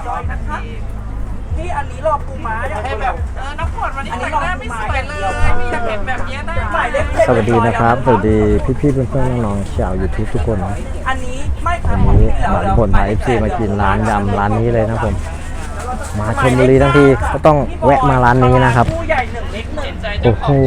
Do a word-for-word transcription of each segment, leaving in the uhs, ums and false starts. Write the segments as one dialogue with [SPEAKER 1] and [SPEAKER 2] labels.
[SPEAKER 1] จอยนะคะพี่อันนี้รอปูม้าอย่างให้แบบเออน้ำฝนวันนี้แต่งหน้าไม่สวยเลยพี่อยากเห็นแบบนี้ได้ไหม
[SPEAKER 2] สวัสดีนะครับสวัสดีพี่ๆเพื่อนๆน้องๆชาวยูทูบทุกคนนะ
[SPEAKER 1] อันนี้ไม่ค
[SPEAKER 2] วั
[SPEAKER 1] รับ
[SPEAKER 2] นนี้หลานผลพาเอฟซีมากินร้านยำร้านนี้เลยนะผมมาชลบุรีทั้งทีก็ต้องแวะมาร้านนี้นะครับโอ้โห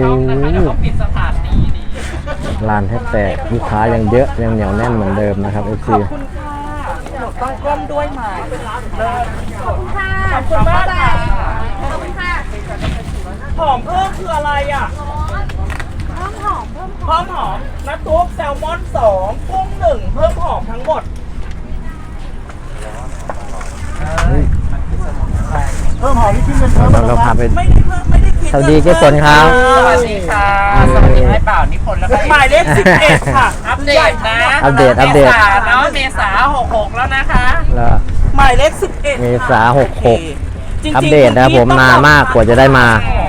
[SPEAKER 2] ร้านแทบแตกลูกค้ายังเยอะยังเหนียวแน่นเหมือนเดิมนะครับเอฟซี
[SPEAKER 1] ขอบคุณค่ะหนูต้องก้มด้วยไหมขอบคุณค่ะขอบคุณมากค่ะขอบคุณค่ะหอมเพิ่มคืออะไรอ่ะเพิ่มหอมเพิ่มหอมหอมน้ำตุ๊กแซลมอนสองกุ้งหนึ่งเพิ่มหอมทั้งหมดเพิ่มหอมนี่ขึ้นเป็นเพิ่ม
[SPEAKER 2] เราพาไป
[SPEAKER 1] ไม่ได้เพิ่มไม่ได้คิด
[SPEAKER 2] สวัสดีเจ๊ฝนครับ
[SPEAKER 1] สวัสดีค่ะสวัสดีให้เปล่านิพนธ์แล้วก็หมายเลขสิบเอ็ดค่ะอัปเดตนะ
[SPEAKER 2] อัปเดตอัปเดต
[SPEAKER 1] เนาะเมษาหกหกแล้วนะคะ
[SPEAKER 2] แล้ว
[SPEAKER 1] หมายเลขสิบเอ็ด
[SPEAKER 2] เมษาหกหกอัปเดตนะผมนานมากกว่าจะได้มา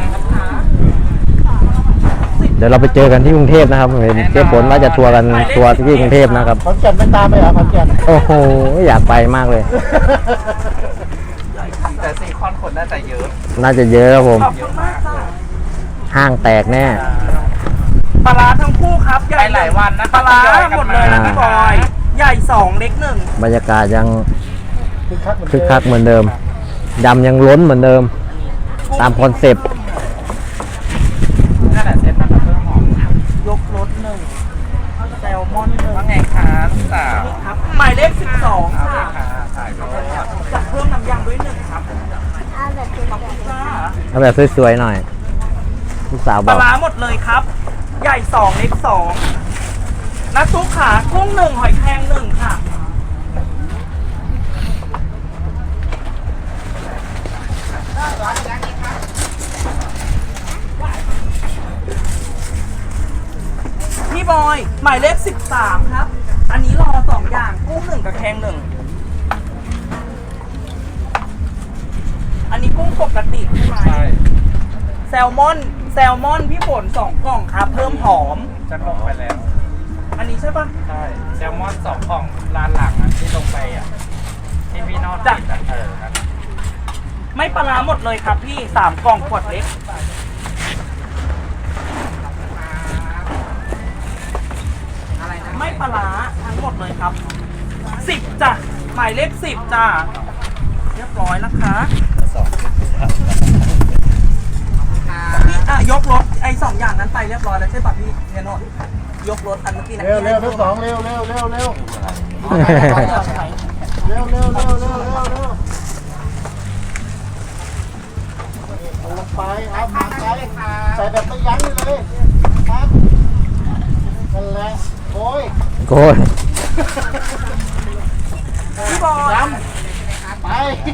[SPEAKER 2] เดี๋ยวเราไปเจอกันที่กรุงเทพนะครับเห็นเจ๊ฝนว่าจะทัวร์กันทัวร์ที่กรุงเทพนะครับ
[SPEAKER 3] ขอนแก่นไม่ตามไปเหรอขอนแก่น
[SPEAKER 2] โอ้โหอยากไปมากเลย
[SPEAKER 1] แต่ซีคอนคนน่าจะเยอะ
[SPEAKER 2] น่าจะเยอะครับผมห้างแตกแน่
[SPEAKER 1] ปลาร้าทั้งคู่ครับใหญ่หลายวันนะปลาร้าหมดเลยนะพี่บอยใหญ่สองเล็กหนึ่ง
[SPEAKER 2] บรรยากาศยังคึกคักเหมือนเดิมยำยังล้นเหมือนเดิมตามคอนเซปต์
[SPEAKER 1] นั่นแหละเซ็ตนะครับเพิ่มหอมยกรสหนึ่งแซลมอนหนึ่งว่าไงคะลูกสาวครับหมายเลขสิบสองค่ะจะเพิ่มน้ำยำด้วยหนึ่งครับเอาแบบสวยๆ
[SPEAKER 2] เอาแบบสวยๆหน่อยลูกสาวบอก
[SPEAKER 1] ปลาร้าหมดเลยครับใหญ่สองเล็กสองน้ำซุปขากุ้งหนึ่งหอยแครงหนึ่งค่ะพี่บอยหมายเลขสิบสามครับอันนี้รอสองอย่างกุ้งหนึ่งกับแครงหนึ่งอันนี้กุ้งปกติใช่ไหมใช่แซลมอนแซลมอนพี่ฝนสองกล่องครับเพิ่มหอมจะลงไปแล้วอันนี้ใช่ปะใช่แซลมอนสองกล่องร้านหลังอ่ะที่ลงไปอ่ะที่พี่นอตจัดเออไม่ปลาร้าหมดเลยครับพี่สามกล่องขวดเล็กไม่ปลาร้าทั้งหมดเลยครับสิบจ้ะหมายเลขสิบจ้ะเรียบร้อยนะคะพี่อ่ะยกรถไอ้สองอย่างนั้นไปเรียบร้อยแล้วใช่ป่ะพี่เนโน่ยกรถอันเมื่อกี้นะ
[SPEAKER 3] เร็วเร็วทั้งสองเร็วเร็วเร็วเร็วเร็วเร็วเร็วเร็วเร็วเร็วเร็วลงไปครับมาใส่ใส่แบบไม่ยั้งเลยครับนั่นแหละโอ้ย
[SPEAKER 2] โกย
[SPEAKER 1] พี่บอย
[SPEAKER 3] ไป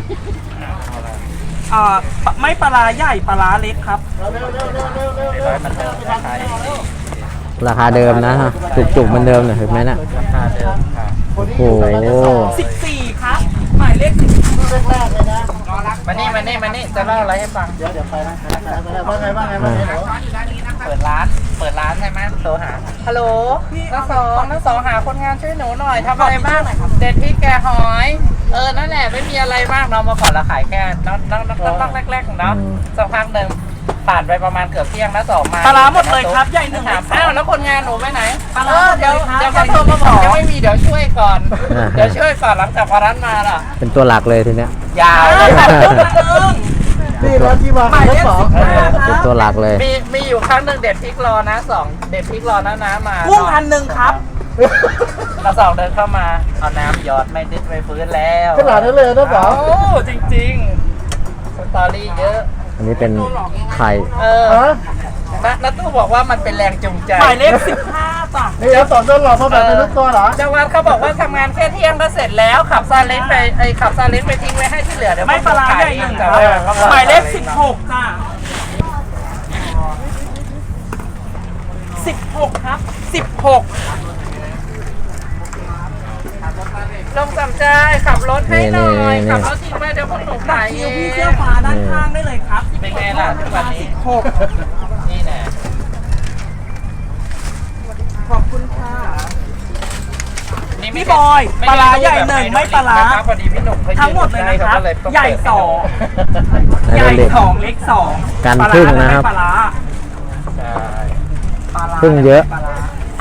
[SPEAKER 1] อ่าไม่ปลาร้าใหญ่ปลาร้าเล็กครับ
[SPEAKER 3] เร็วเร็วเร็วเร็วเร็วเร็วเร็วมันเดิม
[SPEAKER 2] ราคาเดิมนะฮะจุกๆเหมือนเดิมเลยเห็นไหมน่ะ
[SPEAKER 1] ราคาเดิมค่ะ
[SPEAKER 2] โอ้โห
[SPEAKER 1] สิบสี่ครับหมายเลขสิบ
[SPEAKER 3] แรกๆเลยนะ
[SPEAKER 1] มานี่มานี่มานี่จะเล่าอะไรให้ฟัง
[SPEAKER 3] เดี๋ยวเดี๋ยวไปนะว่าไงว่าไงว่าไง
[SPEAKER 1] เปิดร้านเปิดร้านใช่ไหมโทรหาฮัลโหลทั้งสองทั้งสองหาคนงานช่วยหนูหน่อยทำอะไรบ้างเด็ดพริกแกงหอยเออนั่นแหละไม่มีอะไรมากเรามาขอเราขายแค่น้องน้องน้องน้องแรกๆเนาะสักพักหนึ่งผ่านไปประมาณเกือบเที่ยงแล้วสองมาปลาหมดเลยครับใหญ่หนึ่งอ้าวแล้วคนงานหนูไปไหนเออเดี๋ยวเดี๋ยวเขาโทรมาบอกยังไม่มีเดี๋ยวช่วยก่อนเดี๋ยวช่วยก่อนหลังจากพอร้านมาล่ะ
[SPEAKER 2] เป็นตัวหลักเลยทีเนี้ย
[SPEAKER 1] ยาวเลย
[SPEAKER 3] นี่ร้านที่มาทั้งสอง
[SPEAKER 2] เป็นตัวหลักเลย
[SPEAKER 1] มีมีอยู่ครั้งหนึ่งเด็ดพริกรอนะสองเด็ดพริกรอนะนะมากุ้งพันหนึ่งครับเราสองเดินเข้ามาเอาน้ำหยอดไม่ดึกไม่ฟื้นแล้ว
[SPEAKER 3] ขนาดนั้นเลยนะสอง
[SPEAKER 1] โอ้จริงๆสตอรี่เยอะ
[SPEAKER 2] อันนี้เป็นไข่
[SPEAKER 1] เออนัทตู้บอกว่ามันเป็นแรงจูงใจหมายเลขสิบห้าจ้ะ
[SPEAKER 3] นี่แล้วสอนโดนหลอกมาแบบเป็นลูกตัวเหรอ
[SPEAKER 1] จังหวัดเขาบอกว่าทำงานแค่เที่ยงก็เสร็จแล้วขับซาเล้งไปไอขับซาเล้งไปทิ้งไว้ให้ที่เหลือเดี๋ยวไม่ปลาร้าใหญ่หนึ่งหมายเลขสิบหกจ้ะสิบหกครับสิบหกลงสำใจขับรถให้หน่อยขับรถทิ้งไว้เดี๋ยวคนหลงไหลพี่เสื้อฟ้าด้านข้างได้เลยครับเป็นไงล่ะทุกวันนี้สิบหกนี่แน่ขอบคุณค่ะนี่นี้
[SPEAKER 4] พี่บอยปลาร้าใหญ่หนึ่งไม่ปลาร้า
[SPEAKER 1] พอดีพี่หนุ่มเขา
[SPEAKER 4] ทั้งหมดเลยนะครับ
[SPEAKER 1] ก็ต้อง
[SPEAKER 4] ใหญ่สอง
[SPEAKER 2] แล้ว
[SPEAKER 4] ให
[SPEAKER 2] ก็
[SPEAKER 4] ญ่
[SPEAKER 2] เล็ก
[SPEAKER 4] สองเล็กสอง
[SPEAKER 2] กัน
[SPEAKER 4] ปลา
[SPEAKER 2] พึ่ง
[SPEAKER 4] ร้า
[SPEAKER 2] นะครับ
[SPEAKER 4] ไม่ปลาร้า
[SPEAKER 1] ใช่
[SPEAKER 4] ปลาร้า
[SPEAKER 2] พึ่งเยอะ
[SPEAKER 4] ปลาร้า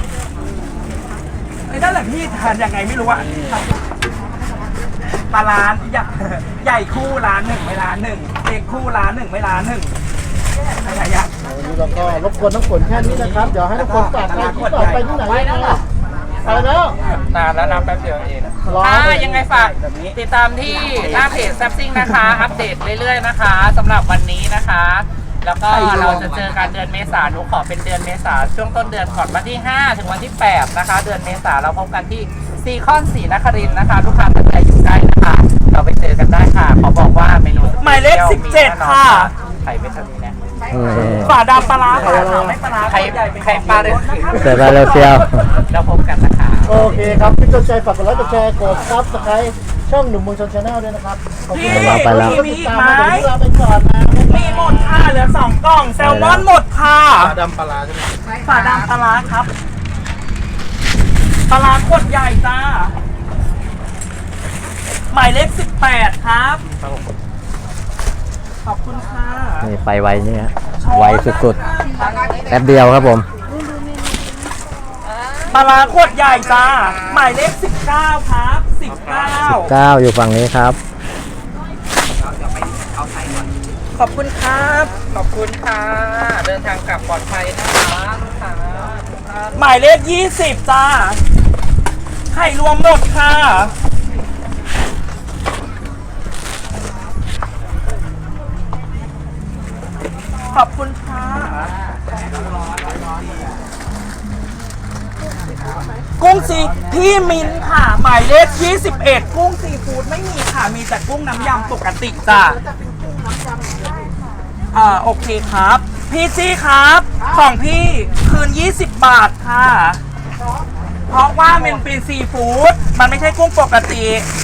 [SPEAKER 4] ไอ้นั่นแหละพี่ทานยังไงไม่รู้อะปลาร้าใหญ่ใหญ่คู่ร้านหนึ่งไม่ร้านหนึ่งเล็กคู่ร้านหนึ่งไม่ร้านหนึ่งอะไรอะ
[SPEAKER 3] วันนี้เราก็รบกวนน้องฝนแค่นี้นะครับ เดี๋ยวให้น้องฝนฝากไปที่ฝากไปที่ไหนไปแล้วไปแล้ว
[SPEAKER 1] นานแล้วนะแป๊บเดียวเอง
[SPEAKER 3] รอ
[SPEAKER 1] อ่ายังไงฝากติดตามที่หน้าเพจแซปซิ่งนะคะ อัปเดตเรื่อยๆนะคะสำหรับวันนี้นะคะ แล้วก็เราจะเจอกันเดือนเมษาหนูขอเป็นเดือนเมษาช่วงต้นเดือนก่อนวันที่ห้าถึงวันที่แปดนะคะ เดือนเมษาเราพบกันที่ซีคอนศรีนครินทร์นะคะลูกค้าท่านใดอยู่ใกล้นะคะ เราไปเจอกันได้ค่ะขอบอกว่าเมนู
[SPEAKER 4] หมายเลขสิบเจ็ดค่ะ
[SPEAKER 1] ไข่เป็นเท่านี้นะ
[SPEAKER 4] ฝาดำปลาร้าฝาขาวไม่ปลาร้า
[SPEAKER 1] ไข่
[SPEAKER 4] ใหญ่เป็น
[SPEAKER 1] ไข่ปลาเลย
[SPEAKER 2] เสร็จไปเลยเซียว
[SPEAKER 1] เราพบกันนะคะ
[SPEAKER 3] โอเคครับพี่ต้นใจฝากกดไลค์กดแชร์กดซับสไครต์ช่องหนุ่มเมืองชนชาแนลด้วยนะครับขอบคุณ
[SPEAKER 4] พี่
[SPEAKER 3] มาก
[SPEAKER 2] ไปแล้ว
[SPEAKER 4] มีอีกไหม
[SPEAKER 3] เดี๋ยวนี้ลาไปก่อนนะ
[SPEAKER 4] มีหมดค่ะเหลือสองกล่องแซลมอนหมดค่ะ
[SPEAKER 3] ปลาดำปลาร้าใช่ไหม
[SPEAKER 4] ฝาดำปลาร้าครับปลาร้าขวดใหญ่จ้าหมายเลขสิบแปดครับขอบคุณค่ะ
[SPEAKER 2] นี่ไปไวเนี่ยไวสุดๆแป๊บเดียวครับผม
[SPEAKER 4] ปลาร้าขวดใหญ่จ้าหมายเลขสิบเก้าครับสิบเก้า
[SPEAKER 2] เก้าอยู่ฝั่งนี้ครับ
[SPEAKER 4] ขอบคุณครับ
[SPEAKER 1] ขอบคุณค่ะ เดินทางกลับปลอดภัยนะคะลูกค้า
[SPEAKER 4] หมายเลขยี่สิบจ้าไข่รวมหมดค่ะขอบคุณค่ะกุ้งซีพี่มิ้นค่ะ หมายเลขยี่สิบเอ็ดกุ้งซีฟู้ดไม่มีค่ะ มีแต่กุ้งน้ำยำปกติจ้ะอ่าโอเคครับ พี่จี้ครับ ของพี่คืนยี่สิบบาทค่ะ เพราะว่ามันเป็นซีฟู้ดมันไม่ใช่กุ้งปกติ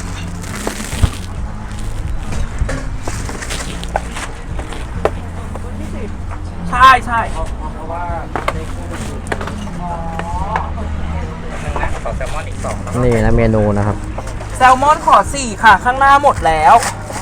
[SPEAKER 4] ใช่ใช่
[SPEAKER 1] เพราะว่าในคู่อ๋อหนึ่งนะขอแซลมอนอีกสองนะ
[SPEAKER 2] นี่นะเมนูนะครับ
[SPEAKER 4] แซลมอนขอสี่ค่ะ ข้างหน้าหมดแล้ว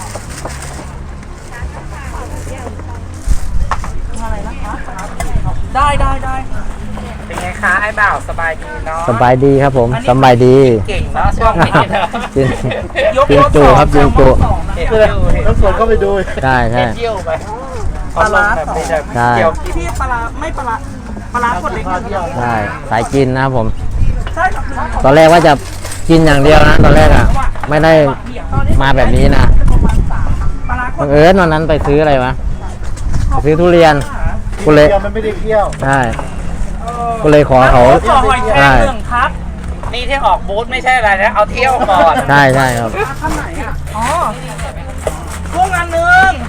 [SPEAKER 4] อะไรนะคะได้ได้ได้
[SPEAKER 1] เป็นไงคะไอ้บ่าวสบายดีเนาะ
[SPEAKER 2] สบายดีครับผมสบายดี
[SPEAKER 1] เก่งเนาะช่วงนี้เนาะ
[SPEAKER 2] กิน
[SPEAKER 4] ยก
[SPEAKER 2] กิน
[SPEAKER 4] รถ
[SPEAKER 2] จู
[SPEAKER 4] สอง
[SPEAKER 2] ครับ
[SPEAKER 4] แซ
[SPEAKER 2] กิน
[SPEAKER 4] ลม
[SPEAKER 2] จู
[SPEAKER 4] อนสองนะ
[SPEAKER 1] เห็น
[SPEAKER 3] เอ
[SPEAKER 1] อ
[SPEAKER 3] อยู่ น้องฝนก็ไปดู
[SPEAKER 2] ใช่ใช่
[SPEAKER 1] เห็นเยี่ยวไป
[SPEAKER 4] ปลาร้า
[SPEAKER 1] แบบไม่ได้
[SPEAKER 2] ใช่
[SPEAKER 1] เกี่ยว
[SPEAKER 4] พี่พี่ปลาร้าไม่ปลาร้าปลาร้าคนเล็ก
[SPEAKER 2] ใช่สายกินนะครับผม
[SPEAKER 4] ใช่ค่ะ
[SPEAKER 2] ตอนแรกว่าจะกินอย่างเดียวนะตอนแรกอ่ะ ไม่ได้มาแบบนี้นะ
[SPEAKER 4] ปลาร้าค
[SPEAKER 2] บั
[SPEAKER 4] น
[SPEAKER 2] งเอิญวันนั้นไปซื้ออะไรวะไปซื้อทุเรียนกูเลย
[SPEAKER 3] เคี่ยวมันไม่ได้เคี่ยว
[SPEAKER 2] ใช่กูเลยขอเขา
[SPEAKER 4] ขอหอยแครงหนึ่งครับ
[SPEAKER 1] นี่ที่ออกบูธไม่ใช่อะไรนะ เอาเที่ยวก่อน
[SPEAKER 2] ใช่ใช่ครับ
[SPEAKER 4] ข้างไหนอ่ะอ๋อกุ้งอันหนึ่ง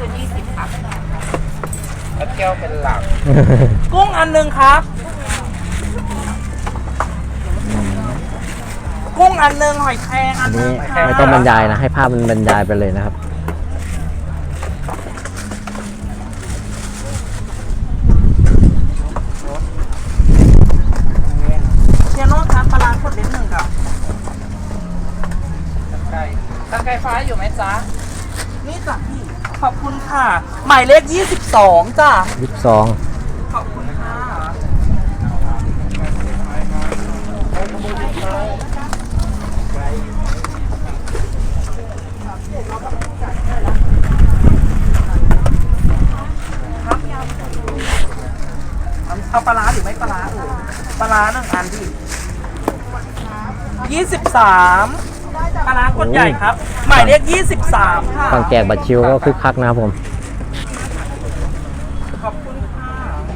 [SPEAKER 1] เอาเที่ยวเป็นหลัก
[SPEAKER 4] กุ้งอันหนึ่งครับ กุ้งอันหนึ่งหอยแครงอั
[SPEAKER 2] อั
[SPEAKER 4] น
[SPEAKER 2] น
[SPEAKER 4] หนึ่
[SPEAKER 2] นี้
[SPEAKER 4] งค่ะ
[SPEAKER 2] ไม่ต้องบรรยายนะ ให้ภาพมันบรรยายไปเลยนะครับ
[SPEAKER 4] เชียโน่ครับปลาร้าขวดเล็กหนึ่งครับ
[SPEAKER 1] ไก่ตะไก่ฟ้าอยู่ไหมจ๊ะ
[SPEAKER 4] นี่จ้ะพี่ ขอบคุณค่ะ หมายเลขยี่สิบสองจ้ะ
[SPEAKER 2] ยี่สิบสอง
[SPEAKER 4] ขอบคุณค่ะ เอาปลาร้าหรือไม่ปลาร้าเออปลาร้าหนึ่งอันพี่ยี่สิบสามปลาร้ากดใหญ่ครับ หมายเลขยี่สิบสามค่ะ
[SPEAKER 2] ฝั่งแจกบัตรชิวก็คึกคักนะครับผม
[SPEAKER 4] ขอบคุณค่ะ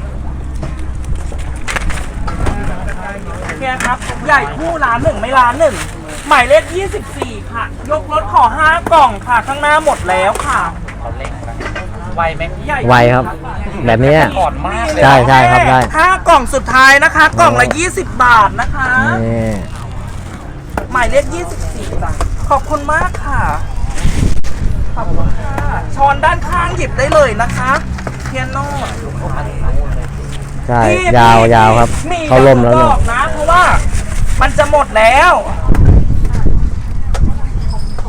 [SPEAKER 4] โอเคครับ ใหญ่คู่ร้านหนึ่งไม่ร้านหนึ่ง หมายเลขยี่สิบสี่ค่ะ ยกรถขอห้ากล่องค่ะ ข้างหน้าหมดแล้วค่ะ
[SPEAKER 1] เขาเล่นนะไวไหม
[SPEAKER 4] ใหญ่
[SPEAKER 2] ไวครับ แบบนี้
[SPEAKER 1] ก่อนมากเลย
[SPEAKER 2] ใช่ใช่ครับได้
[SPEAKER 4] ห้ากล่องสุดท้ายนะคะ กล่องละยี่สิบบาทนะคะ
[SPEAKER 2] นี่
[SPEAKER 4] หมายเลขยี่สิบสี่จ้ะขอบคุณมากค่ะ ขอบคุณค่ะ ช้อนด้านข้างหยิบได้เลยนะคะเทียนโน่
[SPEAKER 2] ใช่
[SPEAKER 4] พี่
[SPEAKER 2] ยาว
[SPEAKER 4] พี่
[SPEAKER 2] ยาวครับ
[SPEAKER 4] มี
[SPEAKER 2] เขาล่มแล้ว
[SPEAKER 4] บ
[SPEAKER 2] เนี่ย
[SPEAKER 4] อกนะ เพราะว่ามันจะหมดแล้ว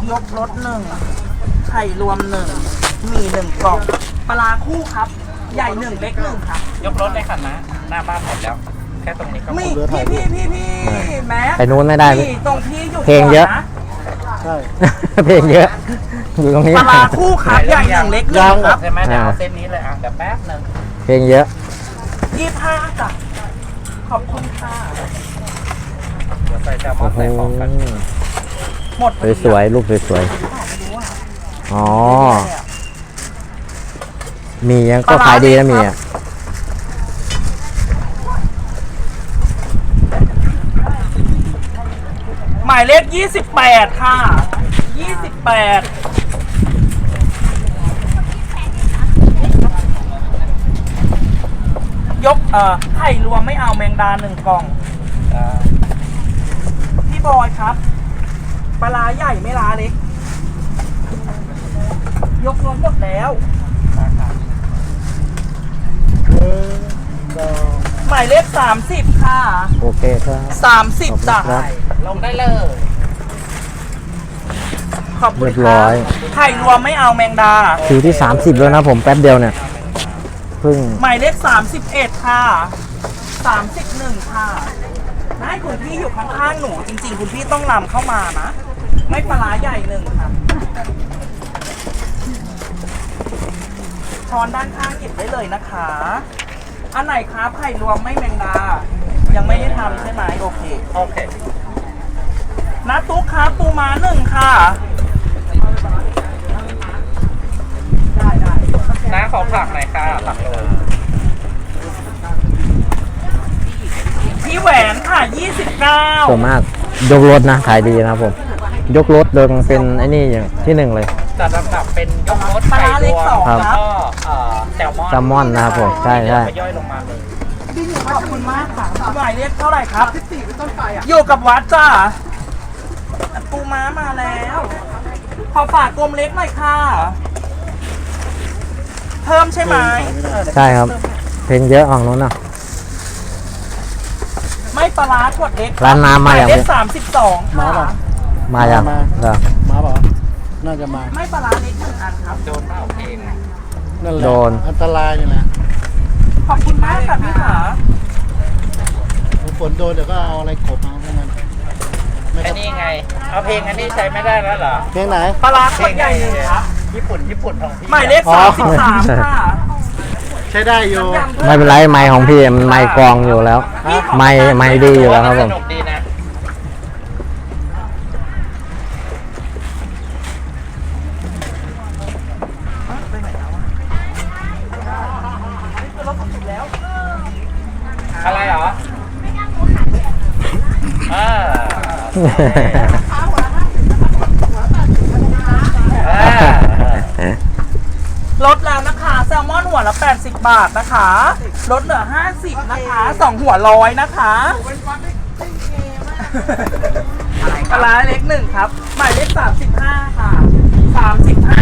[SPEAKER 4] ยกรถหนึ่งไข่รวมหนึ่งมีหนึ่งกล่องปลาร้าคู่ครับ ใหญ่หนึ่งเล็กหนึ่งครับ
[SPEAKER 1] ยกรถได้ค่ะนะหน้าบ้านหมดแล้ว แค่ตรงนี้ก็หม
[SPEAKER 4] มี
[SPEAKER 1] ด
[SPEAKER 4] พี่พี่พี่พี่แม็
[SPEAKER 2] ไปนู้นไม่ได้
[SPEAKER 4] พี่ตรงพี่อยู่
[SPEAKER 2] เพลงเยอะ
[SPEAKER 4] ก่นน
[SPEAKER 3] ใช่
[SPEAKER 2] เพลงเยอะ อยู่ตรงนี้
[SPEAKER 4] ปลาร้าคู่ครับใหญ่หนึ่งเล็กหนึ่งครับ
[SPEAKER 1] ใช่ไหมเดี๋ยวเอาเส้นนี้เลยอ่ะเดี๋ยวแป๊บนึง
[SPEAKER 2] เพลงเยอะ
[SPEAKER 4] ยี่ห้าจ้ะขอบคุณค่ะ
[SPEAKER 1] เดี๋ยวใส่แซลมอ
[SPEAKER 2] โอ้
[SPEAKER 1] น
[SPEAKER 2] โห
[SPEAKER 1] ใส่ของกัน
[SPEAKER 4] หมด
[SPEAKER 2] สวยๆรูปสวยๆอ๋อ มียังก็ขายดีนะมีอ่ะ
[SPEAKER 4] หมายเลขยี่สิบแปดค่ะยี่สิบแปดยกเอ่อไข่รวมไม่เอาแมงดาหนึ่งกล่อง
[SPEAKER 1] อ่า
[SPEAKER 4] พี่บอยครับปลาร้าใหญ่ไม่ร้าเล็ก ยกรวมหมดแล้ว
[SPEAKER 3] เออดอก
[SPEAKER 4] หมายเลขสามสิบค่ะ
[SPEAKER 2] โอเคครับ
[SPEAKER 4] สามสิบจ้ะ
[SPEAKER 2] ขอบคุณครับ
[SPEAKER 1] ลงได้เลย
[SPEAKER 4] ขอบคุณ
[SPEAKER 2] เรียบร้อย
[SPEAKER 4] ไข่รวมไม่เอาแมงดา
[SPEAKER 2] คิวที่สามสิบแล้วนะผมแป๊บเดียวเนี่ยเพิ่ง
[SPEAKER 4] หมายเลขสามสิบเอ็ดค่ะสามสิบหนึ่งค่ะได้คุณพี่อยู่ข้างๆหนู จริงๆ คุณพี่ต้องนำเข้ามานะ ไม่ปลาร้าใหญ่หนึ่งค่ะช้อนด้านข้างหยิบได้เลยนะคะ อันไหนครับไข่รวมไม่แมงดา ยังไม่ได้ทำใช่ไหมโอเค
[SPEAKER 1] โอเค
[SPEAKER 4] นะตุ๊กครับปูม้าหนึ่งค่ะ
[SPEAKER 1] น้าขอผักหน่อยค่ะผักโรย
[SPEAKER 4] พี่แหวนค่ะยี่สิบเก้า
[SPEAKER 2] ส่วนมากยกรถนะขายดีนะครับผม ยกรถโดยเป็นไอ้นี่อย่างที่หนึ่งเลย
[SPEAKER 1] จัดลำดับเป็นยกรถ
[SPEAKER 4] ปลา
[SPEAKER 1] ไข่
[SPEAKER 4] ร้าร เล็ก
[SPEAKER 1] วม
[SPEAKER 4] สอง
[SPEAKER 2] ครับ
[SPEAKER 1] แล้ว
[SPEAKER 4] ครับ
[SPEAKER 1] ก็เอ่อแซลมอน
[SPEAKER 2] แซลมอนนะครับผมใช่ใช่
[SPEAKER 1] ไปย่อยลงมาเลย
[SPEAKER 4] ขอบคุณมากค่ะหมายเลขเท่าไหร่ครับสิบสี่เป็นต้นไปอ่ะอยู่กับวัดจ้าปูม้ามาแล้ว ขอฝากกลมเล็กหน่อยค่ะ เพิ่มใช่ไหม
[SPEAKER 2] ใช่ครับ เพลงเยอะฝั่งนู้นนะ
[SPEAKER 4] ไม่ปลาร้าขวดเล็ก
[SPEAKER 2] ร้านน้ำมา
[SPEAKER 4] ห
[SPEAKER 2] อย่าง
[SPEAKER 4] เล
[SPEAKER 2] นี้
[SPEAKER 4] ขสามสิบสอง
[SPEAKER 3] มา
[SPEAKER 4] ค่ะ
[SPEAKER 3] ป่ะ
[SPEAKER 2] มาอย่างเหรอ
[SPEAKER 3] มาเปล่าน่าจะมา
[SPEAKER 4] ไม่ปลาร้าเล็กหนึ่งอันครับ
[SPEAKER 1] โดนเปล่าเพลง
[SPEAKER 3] นั่นแหละ
[SPEAKER 2] โดน
[SPEAKER 3] อันตรายนี่แหละ
[SPEAKER 4] ขอบคุณมากค่ะพี่ขา
[SPEAKER 3] ฝนโดนเดี๋ยวก็เอาอะไรกบเอาพวกมันไม่
[SPEAKER 1] ไอ้
[SPEAKER 3] ต้อง
[SPEAKER 1] นี่ไง เอาเพลงอันนี้ใช้ไม่ได้แล้วเหรอ
[SPEAKER 3] เพลงไหน
[SPEAKER 4] ปลาร้าขวดใหญ่หนึ่งครับ
[SPEAKER 1] ญี่ปุ่นญี่ปุ่นของพี่
[SPEAKER 4] หมายเลข
[SPEAKER 3] อ๋อ
[SPEAKER 4] สามสิบสามค่ะ
[SPEAKER 3] ใช้ได้อยู่
[SPEAKER 2] ไม่เป็นไรไม้ของพี่มันไม้กรองอยู่แล้ว ไม้ไม้ดีอยู่แล้วครับผ
[SPEAKER 1] ส
[SPEAKER 2] ม
[SPEAKER 1] นุกดีนะ อะไรเหรออ่าอ่า
[SPEAKER 4] ลดแล้วนะคะ แซลมอนหัวละแปดสิบบาทนะคะ ลดเหลือห้าสิบนะคะสองหัวร้อยนะคะปลาร้าเล็กหนึ่งครับ หมายเลขสามสิบห้าค่ะสามสิบห้า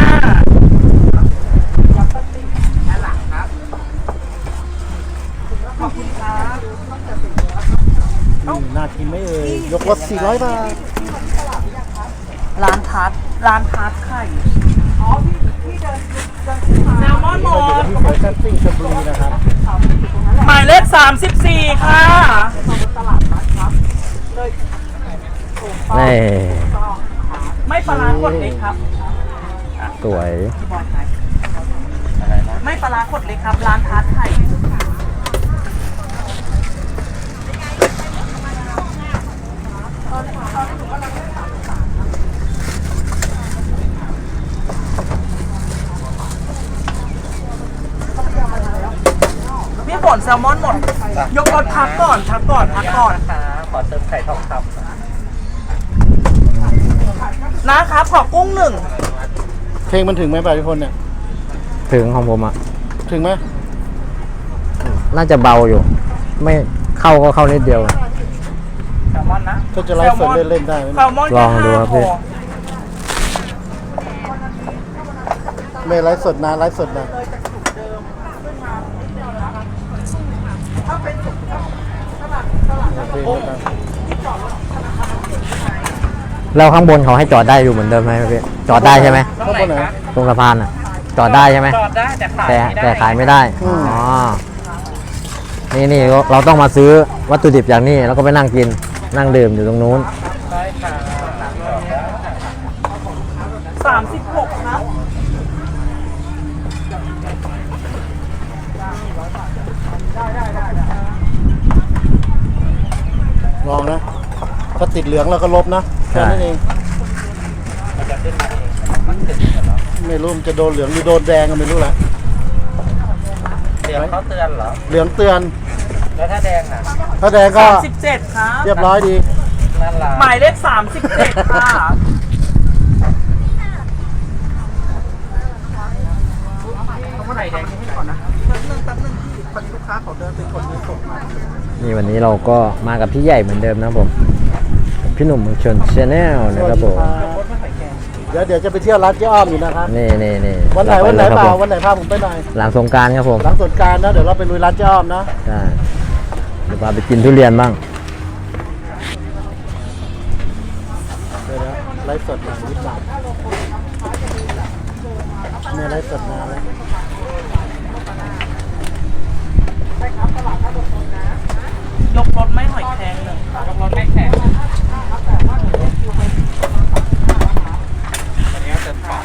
[SPEAKER 4] ขอบคุณครับ
[SPEAKER 3] นี่น่ากินไหมเอ่ยยกรถสี่ร้อยบาท
[SPEAKER 4] ร้านทัดร้านทัดไข่อ๋อพี่พี่เดินเดินแซลมอนหม
[SPEAKER 3] เราอยู่
[SPEAKER 4] ด
[SPEAKER 3] ที่แฟชั่นซิ่งชลบุรีนะครับ
[SPEAKER 4] หมายเลขสามสิบสี่ค่ะ
[SPEAKER 2] นี่
[SPEAKER 4] ไม่ปลาร้ากดเล็กครับ
[SPEAKER 2] สวย
[SPEAKER 4] พี่บอยขายไม่ปลาร้ากดเล็กครับ ร้านทัดไข่พี่ฝนแซลมอนหมด ยกรถพักก่อนพักก่อนพักก่อน
[SPEAKER 1] นะคะขอเติมไข่ทองคำ
[SPEAKER 4] นะครับขอกุ้งหนึ่ง
[SPEAKER 3] เพลงมันถึงไหมป่ะทุกคนเนี่ย
[SPEAKER 2] ถึงของผมอ่ะ
[SPEAKER 3] ถึงไหม
[SPEAKER 2] น่าจะเบาอยู่ ไม่เข้าก็เข้านิดเดียว
[SPEAKER 1] แซลมอนนะ
[SPEAKER 3] ก็จะไลฟ์สดเล่นๆได้ไหม
[SPEAKER 4] แซลมอน
[SPEAKER 2] ลองดูครับพี่
[SPEAKER 3] ไม่ไลฟ์สดนะไลฟ์สดนะเพลงนะครับ
[SPEAKER 2] แล้วข้างบนเขาให้จอดได้อยู่เหมือนเดิมไหมพี่จอดได้ใช่ไหม
[SPEAKER 1] ตรงไหนคะ
[SPEAKER 2] ตรงสะพานอ่ะ จอดได้ใช่ไหม
[SPEAKER 1] จอดได้แต่ขาย
[SPEAKER 2] แต่
[SPEAKER 1] ไม่ได้
[SPEAKER 2] แต่ขายไม่ได้อ๋อนี่นี่เราต้องมาซื้อวัตถุดิบอย่างนี้แล้วก็ไปนั่งกินนั่งดื่มอยู่ตรงนู้น
[SPEAKER 1] ใช่ค่ะ
[SPEAKER 4] สามสิบหกครับ
[SPEAKER 3] ลองนะถ้าติดเหลืองเราก็ลบนะแค่นั้นเอง
[SPEAKER 1] มันจะขึ้นมาเองมันขึ้นเหรอ
[SPEAKER 3] ไม่รู้มันจะโดนเหลืองหรือโดนแดงก็ไม่รู้แหละ
[SPEAKER 1] เดี๋ยวเขาเตือนเหรอ
[SPEAKER 3] เหลืองเตือน
[SPEAKER 1] แล้วถ้าแดงอ่ะ
[SPEAKER 3] ถ้าแดงก็
[SPEAKER 4] สามสิบเจ็ดครับ
[SPEAKER 3] เรียบร้อยดี
[SPEAKER 1] นั่นล่ะ
[SPEAKER 4] หมายเลขสามสิบเจ็ดค่ะ
[SPEAKER 1] เมื่อไหร่แดงให้ก่อนนะ
[SPEAKER 2] นี่วันนี้เราก็มากับพี่ใหญ่เหมือนเดิมนะครับผมพี่หนุ่มเมืองชนชาแนลนะครับผม
[SPEAKER 3] เดี๋ยวเดี๋ยวจะไปเที่ยวร้านเจ๊อ้อมอยู่นะครับ
[SPEAKER 2] นี่นี่นี่
[SPEAKER 3] วันไหนวันไหน
[SPEAKER 2] ร
[SPEAKER 3] เปล่า
[SPEAKER 2] ผม
[SPEAKER 3] วันไหนพาผมไปหน่อย
[SPEAKER 2] หลังสงกรารครับผม
[SPEAKER 3] หลังสงกรารนะเดี๋ยวเราไปลุยร้านเจ๊อ้อมนะ
[SPEAKER 2] ใช่เดี๋ยวพาไปกินทุเรียนบ้าง
[SPEAKER 3] เดี๋ยวนะไลฟ์สดหลังนิดหน่อยเนี่ยไลฟ์สดมาแล้ว
[SPEAKER 4] ยกรถไม่หอยแครงหนึ่ง
[SPEAKER 1] ยกรถไม่แข็งอันนี้จะปอก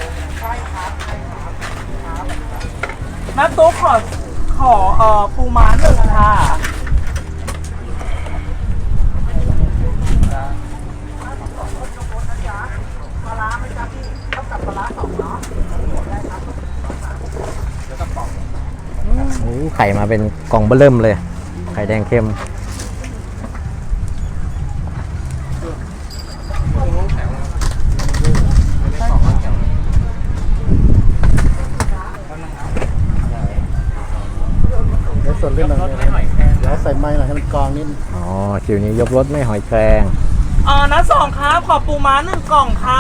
[SPEAKER 4] แม่ตุ๊กขอขอเอ่อปูม้าหนึ่งค่ะ
[SPEAKER 2] โอ้ไข่มาเป็นกล่องเบอร์เริ่มเลย ไข่แดงเค็ม
[SPEAKER 3] เดี๋ยวสดเรื่องหน่อย
[SPEAKER 1] รถไม่หอยแครง
[SPEAKER 3] เดี๋ยวใส่ไม้หน่อยให้มันกรองนิด
[SPEAKER 2] อ๋อคิวนี้ยกรถไม่หอยแครง
[SPEAKER 4] เอ่อนะสองครับขอปูม้าหนึ่งกล่องค่ะ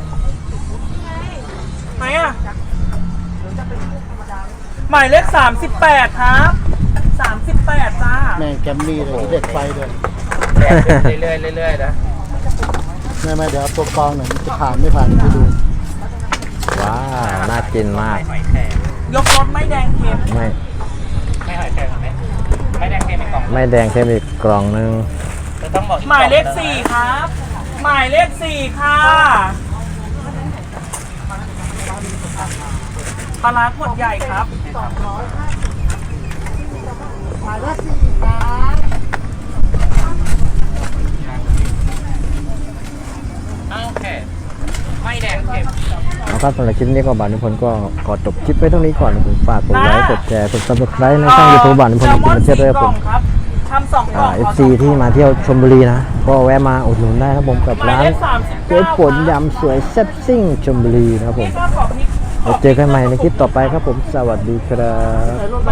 [SPEAKER 4] ไหนอ่ะหมายเลขสามสิบแปดครับสามสิบแปดจ้า
[SPEAKER 3] แม่งแกมมี่เลยนี่เด็กไฟเลย
[SPEAKER 1] แดงขึ้นเรื่อยๆเรื่อยๆนะ
[SPEAKER 3] แม่แม่เดี๋ยวเอาตัวกรองหน่อยมันจะผ่านไม่ผ่านไปดู
[SPEAKER 2] ว้าวน่ากินมาก
[SPEAKER 1] ไม่หอยแครง
[SPEAKER 4] ยกรถไม่แดงเค็ม
[SPEAKER 2] ไม่
[SPEAKER 1] ไม่หอยแครงไหมไม่แดงเค็มอีกกล่อง
[SPEAKER 2] ไม่แดงเค็มอีกกล่องนึง
[SPEAKER 1] จะต้องบอกอีก
[SPEAKER 4] หมายเลข
[SPEAKER 1] กอง
[SPEAKER 4] สี่ครับ หมายเลขสี่ค่ะปลาร้าขวดใหญ่ครับ
[SPEAKER 1] โอเคไม่แดงเค็ม
[SPEAKER 2] เอาครับสำหรับคลิปนี้ก็บานนิพนธ์ก็ขอจบคลิปไว้เท่านี้ก่อนนะผมฝากกดไลค์กดแชร์กดซับสไครต์ในช่องยูทูบบานนิพนธ์กินมาเที่ยวด้วยครับผม
[SPEAKER 4] ครับทำสองกล่อง
[SPEAKER 2] เอฟซีที่มาเที่ยวชลบุรีนะ ก็แวะมาอุดหนุนได้นะครับผมกับ
[SPEAKER 4] หมาย
[SPEAKER 2] ร้าน
[SPEAKER 4] เลขสามสิบ
[SPEAKER 2] เจ๊ฝนยำสวยแซ่บซิ่งชลบุรีนะครับผม
[SPEAKER 4] นี่ก็ขอพริก
[SPEAKER 2] เราเจอกันใหม่ในคลิปต่อไปครับผมสวัสดีครับ